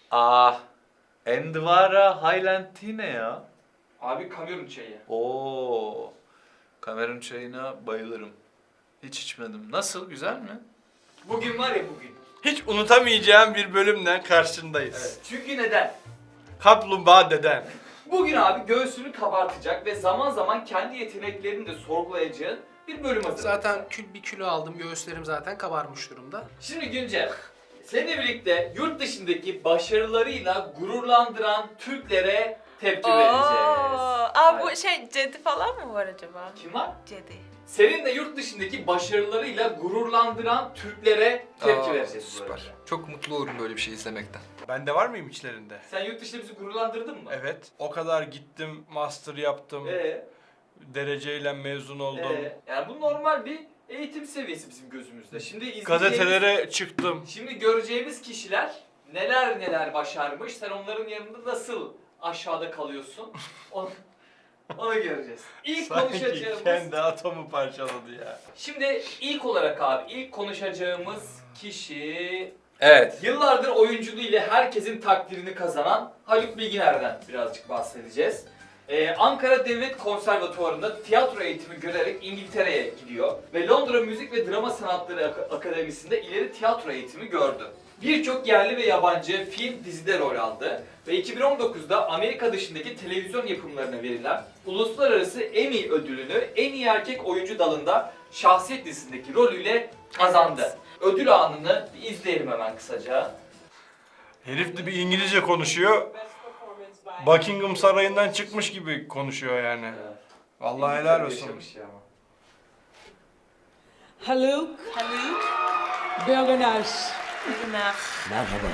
Ah, Endvara Highland Tea ne ya? Abi Kamerun çayı. Oo, Kamerun çayına bayılırım. Hiç içmedim. Nasıl, güzel mi? Bugün var ya bugün. Hiç unutamayacağım bir bölümle karşındayız. Evet. Çünkü neden? Kaplumbağa deden. Bugün abi göğsünü kabartacak ve zaman zaman kendi yeteneklerini de sorgulayacağın bir bölüm hazırladık. Zaten bir kilo aldım. Göğüslerim zaten kabarmış durumda. Şimdi Güncel, seninle birlikte yurt dışındaki başarılarıyla gururlandıran Türklere tepki vereceğiz. Aa bu Evet. şey Cedi falan mı var acaba? Kim var? Cedi. Seninle yurt dışındaki başarılarıyla gururlandıran Türklere tepki vereceğiz bu Süper. arada. Çok mutlu olurum böyle bir şey izlemekten. Ben de var mıyım içlerinde? Sen yurt dışında bizi gururlandırdın mı? Evet. O kadar gittim, master yaptım, Ee, dereceyle mezun oldum. Yani bu normal bir eğitim seviyesi bizim gözümüzde. Şimdi izleyeceğimiz... Gazetelere çıktım. Şimdi göreceğimiz kişiler neler neler başarmış. Sen onların yanında nasıl aşağıda kalıyorsun? Onu göreceğiz. İlk Sanki konuşacağımız... kendi atomu parçaladı ya. Şimdi ilk olarak abi ilk konuşacağımız kişi... Evet. Yıllardır oyunculuğu ile herkesin takdirini kazanan Haluk Bilginer'den birazcık bahsedeceğiz. Ankara Devlet Konservatuvarı'nda tiyatro eğitimi görerek İngiltere'ye gidiyor ve Londra Müzik ve Drama Sanatları Akademisi'nde ileri tiyatro eğitimi gördü. Birçok yerli ve yabancı film, dizide rol aldı ve 2019'da Amerika dışındaki televizyon yapımlarına verilen Uluslararası Emmy ödülünü en iyi erkek oyuncu dalında şahsiyet dizisindeki rolüyle kazandı. Ödül anını bir izleyelim hemen kısaca. Herif de bir İngilizce konuşuyor. Buckingham Sarayı'ndan çıkmış gibi konuşuyor yani. Vallahi helal olsun. Yaşamış ya ama. Haluk Haluk. Bilginer. Bilginer. Merhaba.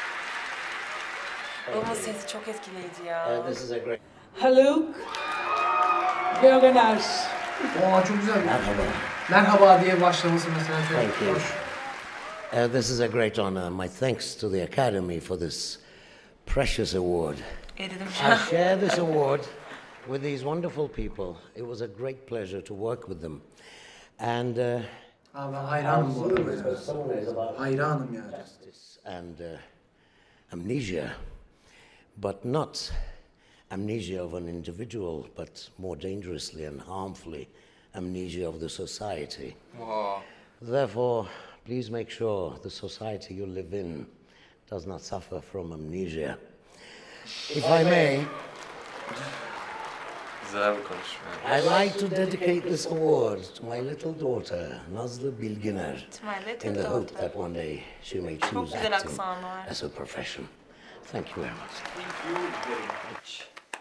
Onun sesi çok etkileyici ya. This is a great. Haluk Bilginer. Oo çok güzel. Merhaba. Merhaba diye başlaması mesela Thank çok you. hoş. This is a great honor. My thanks to the Academy for this precious award. Eridim I şu an. share this award with these wonderful people. It was a great pleasure to work with them. And Abi ben hayranım bu arada ya. some ways about Hayranım yani. justice and amnesia, but not amnesia of an individual, but more dangerously and harmfully, amnesia of the society. Wow. Therefore, please make sure the society you live in does not suffer from amnesia. If I may, Güzel bir konuşma. I'd like to dedicate this award to my little daughter, Nazlı Bilginer, İsmail'le in the çok hope doğru. that one day she may Çok choose güzel acting aksanı var. as a profession. Thank you very much. Thank you very much.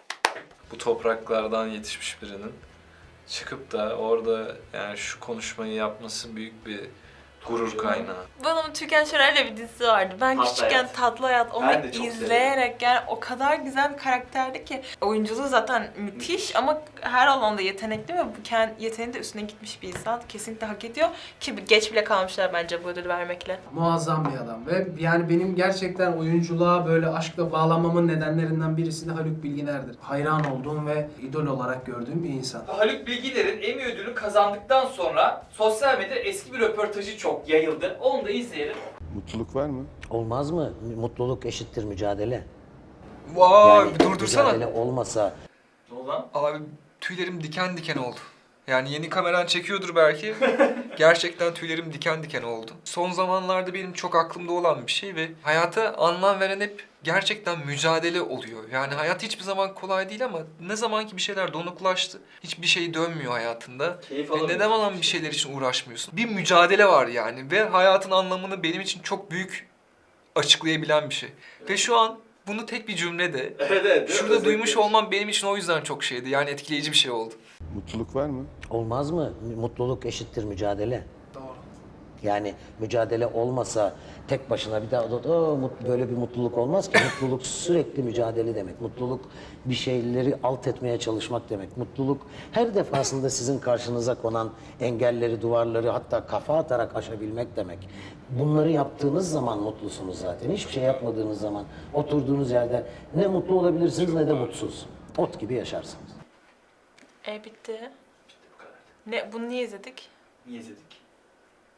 Bu topraklardan yetişmiş birinin çıkıp da orada yani şu konuşmayı yapması büyük bir gurur kaynağı. Bu adamın Türkan Şoray'la bir dizisi vardı. Ben Tatlı küçükken Hayat. Tatlı Hayat onu Ben de çok izleyerek yani o kadar güzel bir karakterdi ki oyunculuğu zaten müthiş ama her alanda yetenekli ve bu yeteneği de üstüne gitmiş bir insan. Kesinlikle hak ediyor ki geç bile kalmışlar bence bu ödülü vermekle. Muazzam bir adam ve yani benim gerçekten oyunculuğa böyle aşkla bağlanmamın nedenlerinden birisi de Haluk Bilginer'dir. Hayran olduğum ve idol olarak gördüğüm bir insan. Haluk Bilginer'in Emmy ödülünü kazandıktan sonra sosyal medyada eski bir röportajı çok yayıldı. Onu da izleyelim. Mutluluk var mı? Olmaz mı? Mutluluk eşittir mücadele. Vay, durdursana. Mücadele olmasa Ne oldu lan? Abi tüylerim diken diken oldu. Yani yeni kameran çekiyordur belki. Gerçekten tüylerim diken diken oldu. Son zamanlarda benim çok aklımda olan bir şey ve hayata anlam veren hep gerçekten mücadele oluyor. Yani hayat hiçbir zaman kolay değil ama ne zaman ki bir şeyler donuklaştı, hiçbir şey dönmüyor hayatında. Keyif Ve alamıyorsun. neden olan bir şeyler için uğraşmıyorsun? Bir mücadele var yani ve hayatın anlamını benim için çok büyük açıklayabilen bir şey. Ve şu an bunu tek bir cümlede Evet evet. şurada duymuş olmam benim için o yüzden çok şeydi. Yani etkileyici bir şey oldu. Mutluluk var mı? olmaz mı? Mutluluk eşittir mücadele. Doğru. Yani mücadele olmasa tek başına bir daha böyle bir mutluluk olmaz ki. Mutluluk sürekli mücadele demek. Mutluluk bir şeyleri alt etmeye çalışmak demek. Mutluluk her defasında sizin karşınıza konan engelleri, duvarları hatta kafa atarak aşabilmek demek. Bunları yaptığınız zaman mutlusunuz zaten. Hiçbir şey yapmadığınız zaman oturduğunuz yerde ne mutlu olabilirsiniz ne de mutsuz. Ot gibi yaşarsınız. Bitti. Ne, bunu niye izledik? Niye izledik?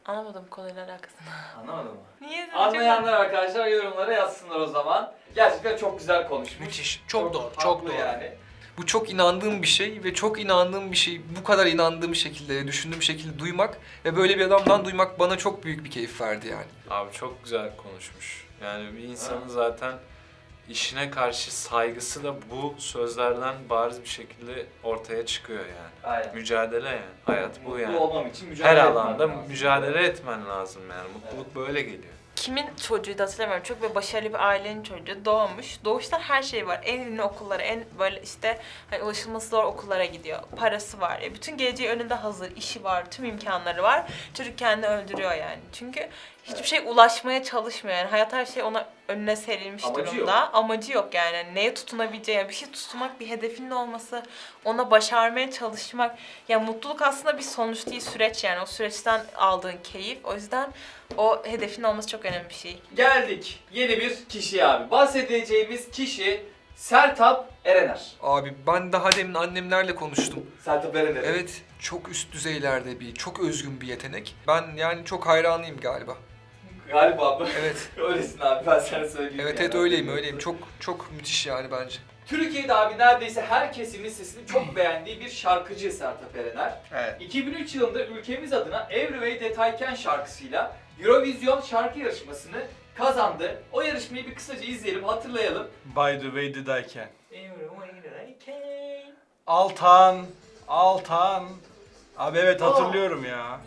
Anlamadım konuyla alakasını. Anlamadın mı? Niye? Anlayanlar arkadaşlar yorumlara yazsınlar o zaman. Gerçekten çok güzel konuşmuş. Müthiş. Çok doğru. Çok haklı doğru. yani. Bu çok inandığım bir şey ve çok inandığım bir şey bu kadar inandığım şekilde, düşündüğüm şekilde duymak ve böyle bir adamdan duymak bana çok büyük bir keyif verdi yani. Abi çok güzel konuşmuş. Yani bir insanın zaten işine karşı saygısı da bu sözlerden bariz bir şekilde ortaya çıkıyor yani. Aynen. Mücadele yani. Hayat bu yani. Mutlu olmam için mücadele Her etmem alanda lazım. mücadele etmen lazım yani. Mutluluk böyle geliyor. Kimin çocuğuydu hatırlamıyorum. Çok böyle başarılı bir ailenin çocuğu doğmuş. Doğuştan her şey var. En ünlü okullara, en böyle işte hani ulaşılması zor okullara gidiyor. Parası var. Bütün geleceği önünde hazır. İşi var. Tüm imkanları var. Çocuk kendini öldürüyor yani. Çünkü hiçbir şey ulaşmaya çalışmıyor yani. Hayat her şey ona önüne serilmiş Amacı durumda. yok. Amacı yok yani. Hani neye tutunabileceği, yani bir şey tutmak, bir hedefinin olması, ona başarmaya çalışmak. Ya mutluluk aslında bir sonuç değil, süreç yani. O süreçten aldığın keyif. O yüzden o hedefin olması çok önemli bir şey. Geldik yeni bir kişiye abi. Bahsedeceğimiz kişi Sertab Erener. Abi ben daha demin annemlerle konuştum. Sertab Erener. Evet, çok üst düzeylerde çok özgün bir yetenek. Ben yani çok hayranıyım galiba. Galiba mı? Evet. Öylesin abi, ben sana söyleyeyim. Evet, yani. evet öyleyim. Çok müthiş yani bence. Türkiye'de abi neredeyse her kesimin sesini çok beğendiği bir şarkıcı Sertab Erener. Evet. 2003 yılında ülkemiz adına Every Way Detayken şarkısıyla Eurovision şarkı yarışmasını kazandı. O yarışmayı bir kısaca izleyelim, hatırlayalım. By the way did I can. Every way detayken. Altan. Altan. Abi evet hatırlıyorum ya.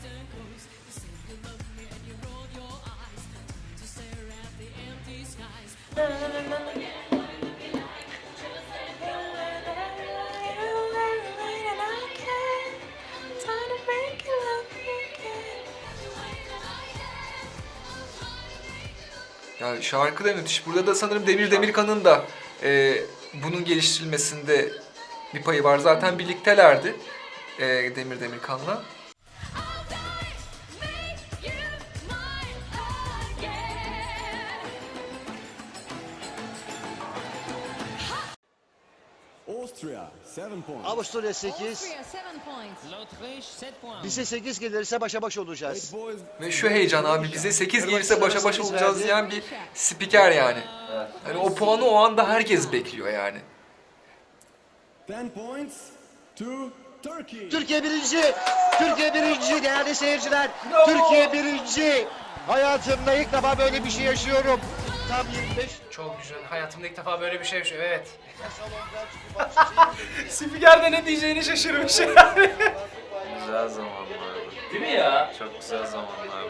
Yani şarkı da müthiş. Burada da sanırım Demir Demirkan'ın da bunun geliştirilmesinde bir payı var. Zaten birliktelerdi Demir Demirkan'la. Austria 7 points. Avusturya 8. Bize 8 gelirse başa baş olacağız. Boys Ve şu heyecan abi bize 8 gelirse başa baş olacağız diyen bir spiker yani. Yani o puanı o anda herkes bekliyor yani. 10 points to Turkey. Türkiye birinci. Türkiye birinci değerli seyirciler. Türkiye birinci. Hayatımda ilk defa böyle bir şey yaşıyorum. Tam 25. Çok güzel. Hayatımda ilk defa böyle bir şey yaşıyorum. Evet. Spiker de ne diyeceğini şaşırmış. Güzel zamanlar. Değil mi ya? Çok güzel zamanlar.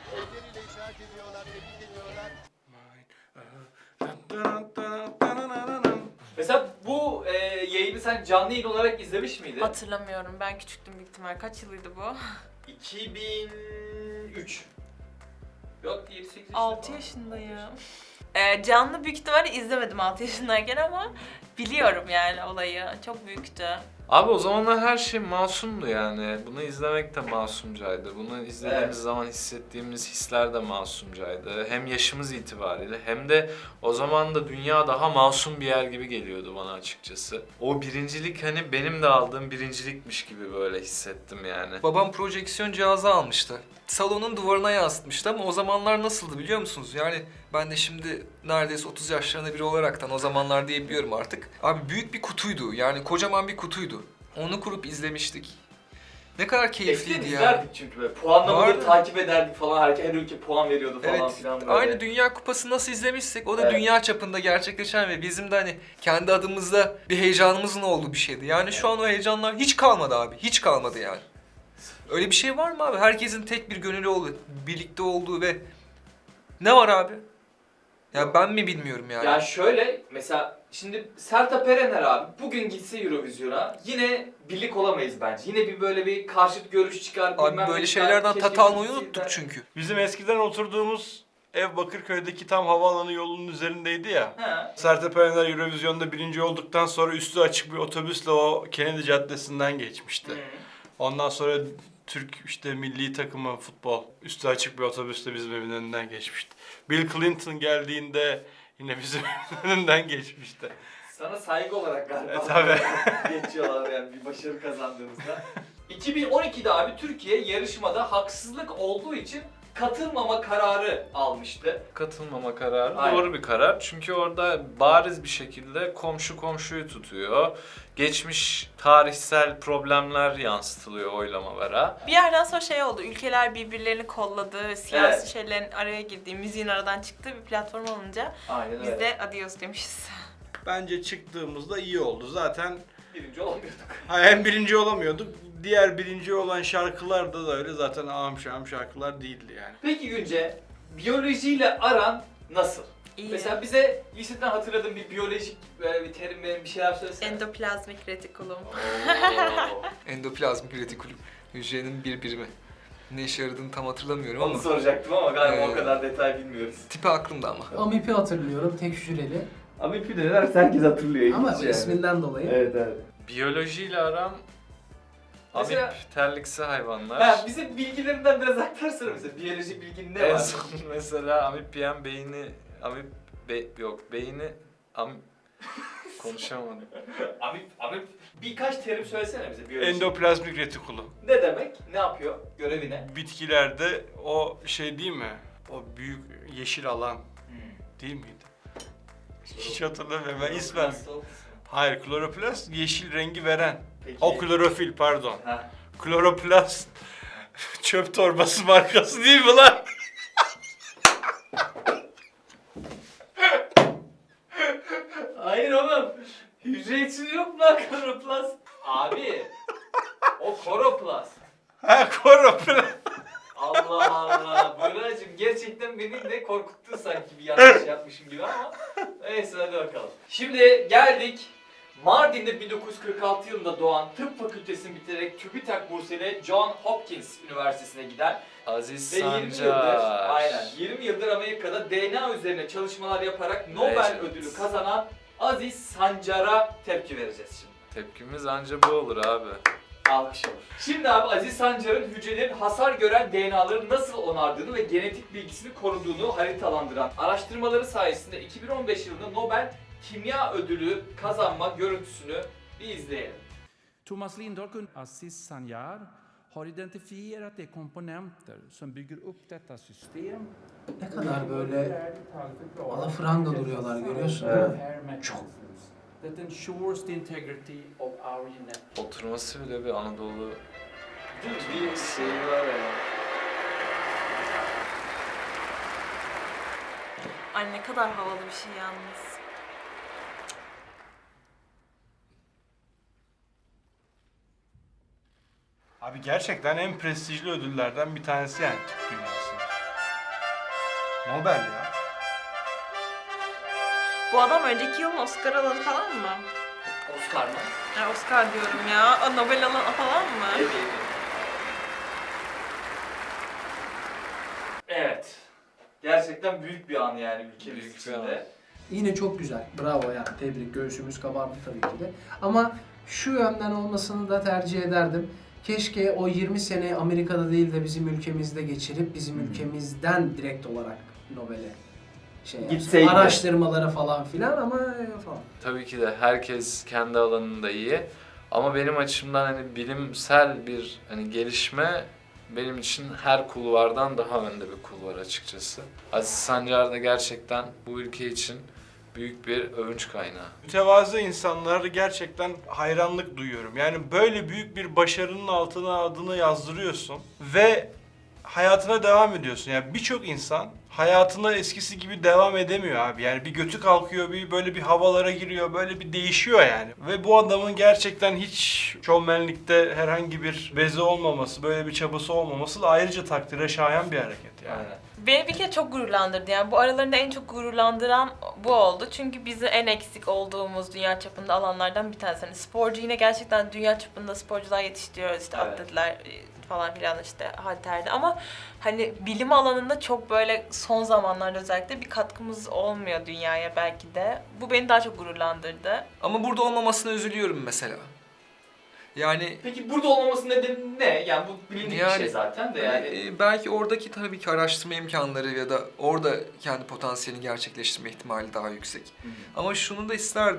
Mesela bu yayını sen canlı yayın olarak izlemiş miydin? Hatırlamıyorum. Ben küçüktüm büyük ihtimal. Kaç yılıydı bu? 2003. Yok 7-8 yaşında 6 falan. yaşındayım. Canlı büyük ihtimalle izlemedim 6 yaşındayken ama biliyorum yani olayı. Çok büyüktü. Abi o zamanlar her şey masumdu yani. Bunu izlemek de masumcaydı. Bunu izlediğimiz Evet. zaman hissettiğimiz hisler de masumcaydı. Hem yaşımız itibariyle hem de o zaman da dünya daha masum bir yer gibi geliyordu bana açıkçası. O birincilik hani benim de aldığım birincilikmiş gibi böyle hissettim yani. Babam projeksiyon cihazı almıştı. Salonun duvarına yansıtmıştı ama o zamanlar nasıldı biliyor musunuz? Yani ben de şimdi neredeyse 30 yaşlarında biri olaraktan o zamanlar diyebiliyorum artık. Abi büyük bir kutuydu. Yani kocaman bir kutuydu. Onu kurup izlemiştik. Ne kadar Eskiden keyifliydi ya. izlerdik çünkü böyle puanlamaları Vardı. takip ederdik falan. Her ülke puan veriyordu falan Evet, filan böyle. aynı Dünya Kupası nasıl izlemişsek o da Evet. dünya çapında gerçekleşen ve bizim de hani kendi adımızda bir heyecanımızın olduğu bir şeydi. Yani şu an o heyecanlar hiç kalmadı abi, hiç kalmadı yani. Öyle bir şey var mı abi? Herkesin tek bir gönüllü olduğu, birlikte olduğu ve ne var abi? Ya ben mi bilmiyorum yani. Yani şöyle mesela şimdi Sertab Erener abi bugün gitse Eurovision'a yine birlik olamayız bence. Yine bir böyle bir karşıt görüş çıkar. Abi bilmem böyle ne şeylerden çıkar, tat almayı keşke unuttuk gitse çünkü. Bizim eskiden oturduğumuz ev Bakırköy'deki tam havaalanı yolunun üzerindeydi ya. He. Sertab Erener Eurovision'da birinci olduktan sonra üstü açık bir otobüsle o Kennedy Caddesi'nden geçmişti. Hı. Ondan sonra Türk işte milli takımı futbol üstü açık bir otobüsle bizim evin önünden geçmişti. Bill Clinton geldiğinde yine bizim evin önünden geçmişti. Sana saygı olarak galiba. Tabii. Geçiyorlar yani bir başarı kazandığınızda. 2012'de abi Türkiye yarışmada haksızlık olduğu için katılmama kararı almıştı. Katılmama kararı Aynen. doğru bir karar. Çünkü orada bariz bir şekilde komşu komşuyu tutuyor. Geçmiş tarihsel problemler yansıtılıyor oylamalara. Bir yerden sonra şey oldu, ülkeler birbirlerini kolladı, siyasi Evet. şeylerin araya girdiği, müziğin aradan çıktığı bir platform olunca Aynen biz de adios demişiz. Bence çıktığımızda iyi oldu. Zaten Birinci olamıyorduk. hem birinci olamıyorduk. Diğer birinci olan şarkılarda da öyle. Zaten ağam şahım şarkılar değildi yani. Peki Günce, biyolojiyle aran nasıl? İyi. Mesela bize liseden hatırladığın bir biyolojik böyle bir terim bir şeyler söylesene. Endoplazmik retikulum. Endoplazmik retikulum. Hücrenin bir birimi. Ne işe yaradığını tam hatırlamıyorum Onu ama soracaktım ama galiba o Ee, kadar detay bilmiyoruz. tipi aklımda ama. Amipi hatırlıyorum, tek hücreli. Ama ipi neler herkes hatırlıyor. Ama ilginç yani. isminden dolayı. Evet evet. Biyolojiyle aram Mesela- amip terliksi hayvanlar. Ha, bize bilgilerinden biraz aktarsana mesela. Biyoloji bilgin ne En var? son mesela amip yiyen beyni beyni konuşamadım. Amip birkaç terim söylesene bize biyoloji. Endoplazmik retikulum. Ne demek? Ne yapıyor? Görevi ne? Bitkilerde o şey değil mi? O büyük yeşil alan değil miydi? Hiç hatırlamıyorum ben ismen. Hayır, kloroplast yeşil rengi veren. Peki. O klorofil pardon. Ha. Kloroplast çöp torbası markası değil mi lan? Hayır oğlum. Hücre için yok mu lan kloroplast? Abi. O koroplast. Ha kloroplast. Allah Allah. Buracığım gerçekten beni de korkuttun sanki bir yanlış yapmışım gibi ama. Neyse hadi bakalım. Şimdi geldik. Mardin'de 1946 yılında doğan tıp fakültesini bitirerek TÜBİTAK bursuyla John Hopkins Üniversitesi'ne giden Aziz ve 20 Sancar. yıldır, aynen 20 yıldır Amerika'da DNA üzerine çalışmalar yaparak Nobel Evet. ödülü kazanan Aziz Sancar'a tepki vereceğiz şimdi. Tepkimiz anca bu olur abi. Alkış olur. Şimdi abi Aziz Sancar'ın hücrelerin hasar gören DNA'ları nasıl onardığını ve genetik bilgisini koruduğunu haritalandıran araştırmaları sayesinde 2015 yılında Nobel Kimya Ödülü kazanma görüntüsünü bir izleyelim. Thomas Lindahl och Aziz Sancar har identifierat de komponenter som bygger upp detta system. Ne kadar böyle alafranga duruyorlar görüyorsun değil mi? Çok. That ensures the integrity of our genetic. Oturması bile bir Anadolu Bir şey var ya. Ay ne kadar havalı bir şey yalnız. Abi gerçekten en prestijli ödüllerden bir tanesi yani tıp dünyasında. Nobel ya. Bu adam önceki yılın Oscar alanı falan mı? Oscar mı? Ya Oscar diyorum ya. Aa, Nobel alanı falan mı? Evet. Gerçekten büyük bir an yani ülkemiz Büyük bir içinde. an. Yine çok güzel. Bravo yani. Tebrik. Göğsümüz kabardı tabii ki de. Ama şu yönden olmasını da tercih ederdim. Keşke o 20 sene Amerika'da değil de bizim ülkemizde geçirip bizim ülkemizden direkt olarak Nobel'e şey yapsın. Gitseydi. Araştırmalara falan filan ama falan. Tabii ki de herkes kendi alanında iyi. Ama benim açımdan hani bilimsel bir hani gelişme benim için her kulvardan daha önde bir kulvar açıkçası. Aziz Sancar da gerçekten bu ülke için büyük bir övünç kaynağı. Mütevazı insanlara gerçekten hayranlık duyuyorum. Yani böyle büyük bir başarının altına adını yazdırıyorsun ve hayatına devam ediyorsun. Yani birçok insan hayatına eskisi gibi devam edemiyor abi. Yani bir götü kalkıyor, bir böyle bir havalara giriyor, böyle bir değişiyor yani. Ve bu adamın gerçekten hiç şovmenlikte herhangi bir bezi olmaması, böyle bir çabası olmaması da ayrıca takdire şayan bir hareket yani. Aynen. Beni bir kere çok gururlandırdı yani bu aralarında en çok gururlandıran bu oldu. Çünkü bizi en eksik olduğumuz dünya çapında alanlardan bir tanesi. Hani sporcu yine gerçekten dünya çapında sporcular yetiştiriyoruz işte Evet. atletler falan filan işte halterde ama hani bilim alanında çok böyle son zamanlarda özellikle bir katkımız olmuyor dünyaya belki de. Bu beni daha çok gururlandırdı. Ama burada olmamasına üzülüyorum mesela. Yani Peki burada olmaması nedeni ne? Yani bu bilindik bir Yani- şey zaten de yani. belki oradaki tabii ki araştırma imkanları ya da orada kendi potansiyelini gerçekleştirme ihtimali daha yüksek. Ama şunu da isterdim.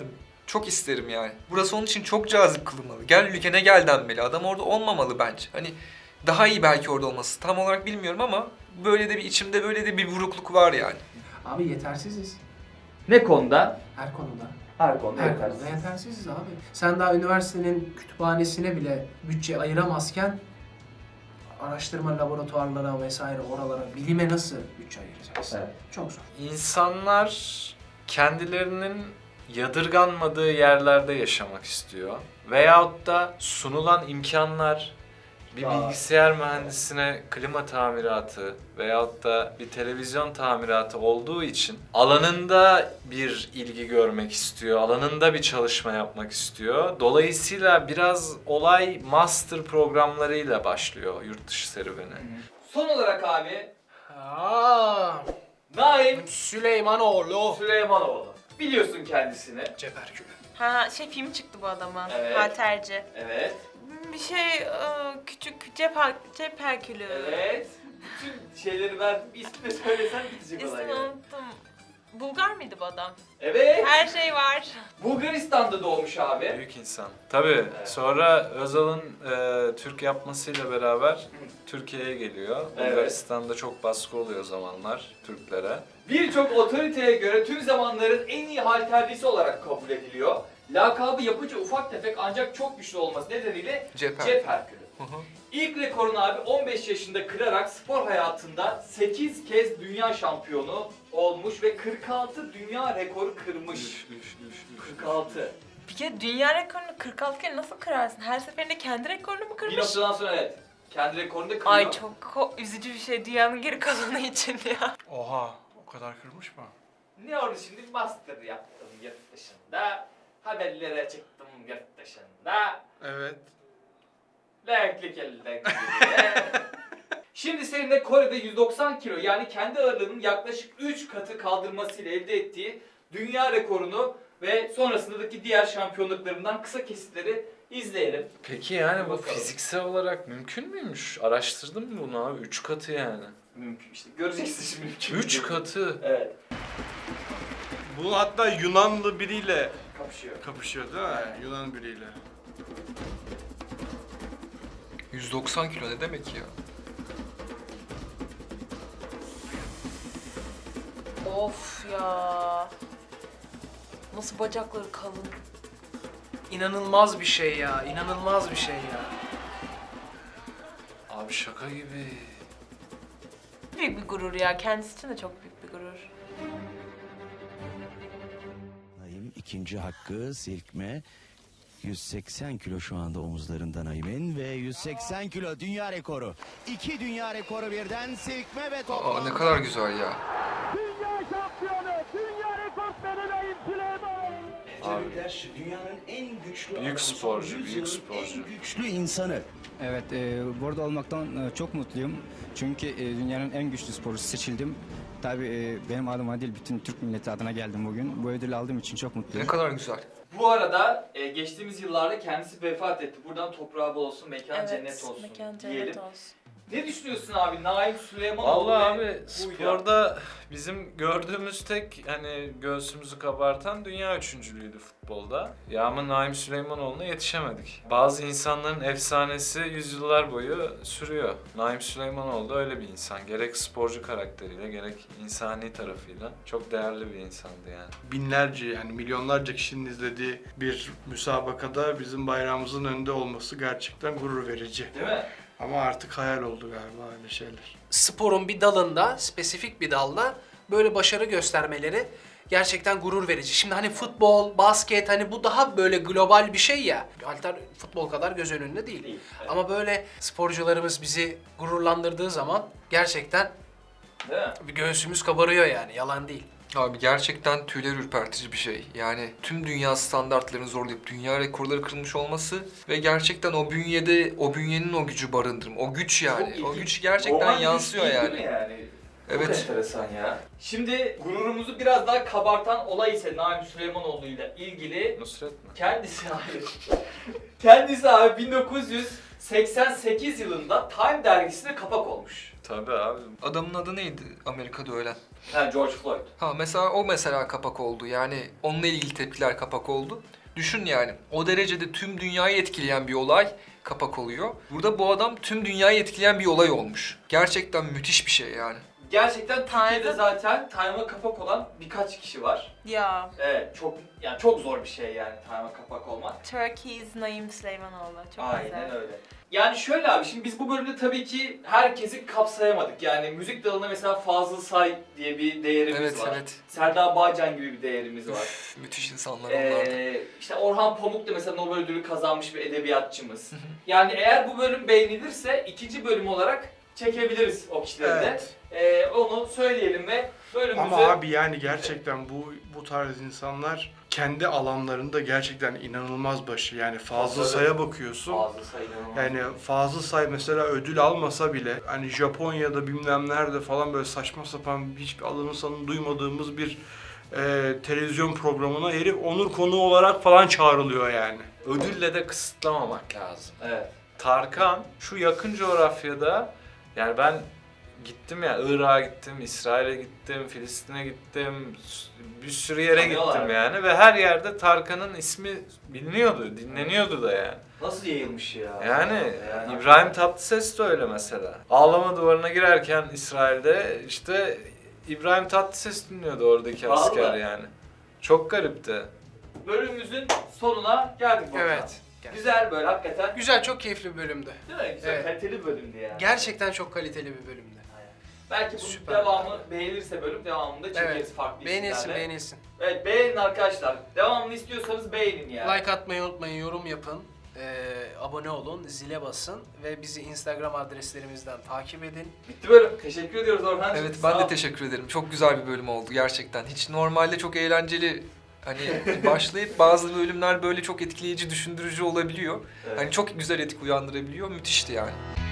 Çok isterim yani. Burası onun için çok cazip kılınmalı. Gel ülkene gel denmeli. Adam orada olmamalı bence. Hani daha iyi belki orada olması. Tam olarak bilmiyorum ama böyle de bir içimde böyle de bir burukluk var yani. Abi yetersiziz. Ne konuda? Her konuda. Her konuda Her yetersiz. konuda yetersiziz abi. Sen daha üniversitenin kütüphanesine bile bütçe ayıramazken araştırma laboratuvarlara vesaire oralara, bilime nasıl bütçe ayıracaksın? Evet. Çok zor. İnsanlar kendilerinin yadırganmadığı yerlerde yaşamak istiyor. Veyahut da sunulan imkanlar bir bilgisayar mühendisine klima tamiratı veyahut da bir televizyon tamiratı olduğu için alanında bir ilgi görmek istiyor, alanında bir çalışma yapmak istiyor. Dolayısıyla biraz olay master programlarıyla başlıyor yurt dışı serüveni. Son olarak abi Naim Süleymanoğlu. Süleymanoğlu. Biliyorsun kendisini. Ceperkülü. Ha film çıktı bu adamın. Evet. Halterci. Evet. Bir küçük cep herkülü. Evet. Bütün şeyleri verdim. İsmini söylesen bitecek olay. İsmini yani. unuttum. Bulgar mıydı bu adam? Evet. Her şey var. Bulgaristan'da doğmuş abi. Büyük insan. Tabii. Sonra Özal'ın Türk yapmasıyla beraber Türkiye'ye geliyor. Evet. Bulgaristan'da çok baskı oluyor o zamanlar Türklere. Birçok otoriteye göre tüm zamanların en iyi halterlisi olarak kabul ediliyor. Lakabı yapıcı ufak tefek ancak çok güçlü olması nedeniyle Cep Cep Herkülü. İlk rekorunu abi 15 yaşında kırarak spor hayatında 8 kez dünya şampiyonu olmuş ve 46 dünya rekoru kırmış. 46. Bir kere dünya rekorunu 46 kere nasıl kırarsın? Her seferinde kendi rekorunu mu Bir kırmış? noktadan sonra evet. Kendi rekorunu da kırıyor. Ay çok üzücü bir şey dünyanın geri kalanı için ya. Oha, o kadar kırmış mı? Ne oldu şimdi? Master yaptım yurt dışında. Haberlere çıktım yurt dışında. Evet. Renkli kelden gidiyor. Şimdi seninle Kore'de 190 kilo yani kendi ağırlığının yaklaşık 3 katı kaldırmasıyla elde ettiği dünya rekorunu ve sonrasındaki diğer şampiyonluklarından kısa kesitleri izleyelim. Peki yani bu Bakalım. fiziksel olarak mümkün müymüş? Araştırdın mı bunu abi? 3 katı yani. Mümkün işte. Göreceksin şimdi mümkün. 3 katı. Evet. Bu hatta Yunanlı biriyle Kapışıyor. kapışıyor değil mi? Yunan biriyle. 190 kilo ne demek ya? Of ya. Nasıl bacakları kalın. İnanılmaz bir şey ya. İnanılmaz bir şey ya. Abi şaka gibi. Büyük bir gurur ya. Kendisi için de çok büyük bir gurur. Naim ikinci hakkı silkme. 180 kilo şu anda omuzlarında Naim'in ve 180 kilo dünya rekoru. 2 dünya rekoru birden silkme ve toplam. Aa ne kadar güzel ya. Dünya şampiyonu, dünya rekortmeni Naim Süleymanoğlu. Abi. Dünyanın en güçlü Büyük adamı, sporcu, son büyük yüzyılın sporcu. En güçlü insanı. Evet, burada olmaktan çok mutluyum. Çünkü dünyanın en güçlü sporcusu seçildim. Tabii benim adıma değil, bütün Türk milleti adına geldim bugün. Bu ödülü aldığım için çok mutluyum. Ne kadar güzel. Bu arada geçtiğimiz yıllarda kendisi vefat etti. Buradan toprağı bol olsun, mekan cennet olsun mekan diyelim. cennet olsun. Ne düşünüyorsun abi? Naim Süleymanoğlu Vallahi ve abi bu sporda bizim gördüğümüz tek hani göğsümüzü kabartan dünya üçüncülüğüydü futbolda. Ya ama Naim Süleymanoğlu'na yetişemedik. Bazı insanların efsanesi yüzyıllar boyu sürüyor. Naim Süleymanoğlu da öyle bir insan. Gerek sporcu karakteriyle gerek insani tarafıyla çok değerli bir insandı yani. Binlerce yani milyonlarca kişinin izlediği bir müsabakada bizim bayrağımızın önünde olması gerçekten gurur verici. Değil mi? Ama artık hayal oldu galiba öyle şeyler. Sporun bir dalında, spesifik bir dalda böyle başarı göstermeleri gerçekten gurur verici. Şimdi hani futbol, basket hani bu daha böyle global bir şey ya. Halter futbol kadar göz önünde değil. Değil, evet. Ama böyle sporcularımız bizi gururlandırdığı zaman gerçekten Değil mi? bir göğsümüz kabarıyor yani. Yalan değil. Abi gerçekten tüyler ürpertici bir şey. Yani tüm dünya standartlarını zorlayıp dünya rekorları kırılmış olması ve gerçekten o bünyede, o bünyenin o gücü barındırma. O güç yani. Çok O ilginç. güç gerçekten Normal yansıyor güç değil yani. mi yani? Çok Evet. enteresan ya. Şimdi gururumuzu biraz daha kabartan olay ise Naim Süleymanoğlu ile ilgili Nusret mi? kendisi abi 1988 yılında Time dergisine kapak olmuş. Tabii abi. Adamın adı neydi Amerika'da ölen? Ha, George Floyd. Ha mesela o mesela kapak oldu. Yani onunla ilgili tepkiler kapak oldu. Düşün yani o derecede tüm dünyayı etkileyen bir olay kapak oluyor. Burada bu adam tüm dünyayı etkileyen bir olay olmuş. Gerçekten müthiş bir şey yani. Gerçekten Türkiye'de zaten Time'a kapak olan birkaç kişi var. Ya. Evet, çok zor bir şey yani Time'a kapak olmak. Turkey's Naim Süleymanoğlu. Çok Aynen güzel. öyle. Yani şöyle abi, şimdi biz bu bölümde tabii ki herkesi kapsayamadık. Yani müzik dalında mesela Fazıl Say diye bir değerimiz var. Evet. Serdar Bağcan gibi bir değerimiz var. Üf, müthiş insanlar onlar da. İşte Orhan Pamuk da mesela Nobel ödülü kazanmış bir edebiyatçımız. Yani eğer bu bölüm beğenilirse ikinci bölüm olarak çekebiliriz o kişileri de. Onu söyleyelim ve bölümümüzü... Ama abi yani gerçekten bu tarz insanlar kendi alanlarında gerçekten inanılmaz başı. Yani Fazıl Say'a bakıyorsun. Fazıl Say inanılmaz. Yani Fazıl Say mesela ödül almasa bile hani Japonya'da bilmem nerede falan böyle saçma sapan hiçbir adını sanını duymadığımız bir televizyon programına herif onur konuğu olarak falan çağrılıyor yani. Ödülle de kısıtlamamak lazım. Evet. Tarkan şu yakın coğrafyada, yani ben gittim ya, Irak'a gittim, İsrail'e gittim, Filistin'e gittim, bir sürü yere Tanıyorlar. gittim yani ve her yerde Tarkan'ın ismi biliniyordu, dinleniyordu da yani. Nasıl yayılmış ya? Yani İbrahim Tatlıses de öyle mesela. Ağlama duvarına girerken İsrail'de işte İbrahim Tatlıses dinliyordu oradaki Vallahi. asker yani. Çok garipti. Bölümümüzün sonuna geldik burada. Evet. Güzel böyle hakikaten. Güzel, çok keyifli bir bölümdü. Değil mi? Güzel, Evet. kaliteli bir bölümdü yani. Gerçekten çok kaliteli bir bölümdü. Belki bunun Süper. devamı beğenirse bölüm devamında çekeriz Evet. farklı Beğenilsin, isimlerle. beğenilsin. Evet, beğenin arkadaşlar. Devamını istiyorsanız beğenin yani. Like atmayı unutmayın, yorum yapın, abone olun, zile basın ve bizi Instagram adreslerimizden takip edin. Bitti bölüm. Teşekkür ediyoruz Orhan'cığım. Evet Sağ ben de ol. teşekkür ederim. Çok güzel bir bölüm oldu gerçekten. Hiç normalde çok eğlenceli hani başlayıp bazı bölümler böyle çok etkileyici, düşündürücü olabiliyor. Evet. Hani çok güzel etki uyandırabiliyor. Müthişti yani.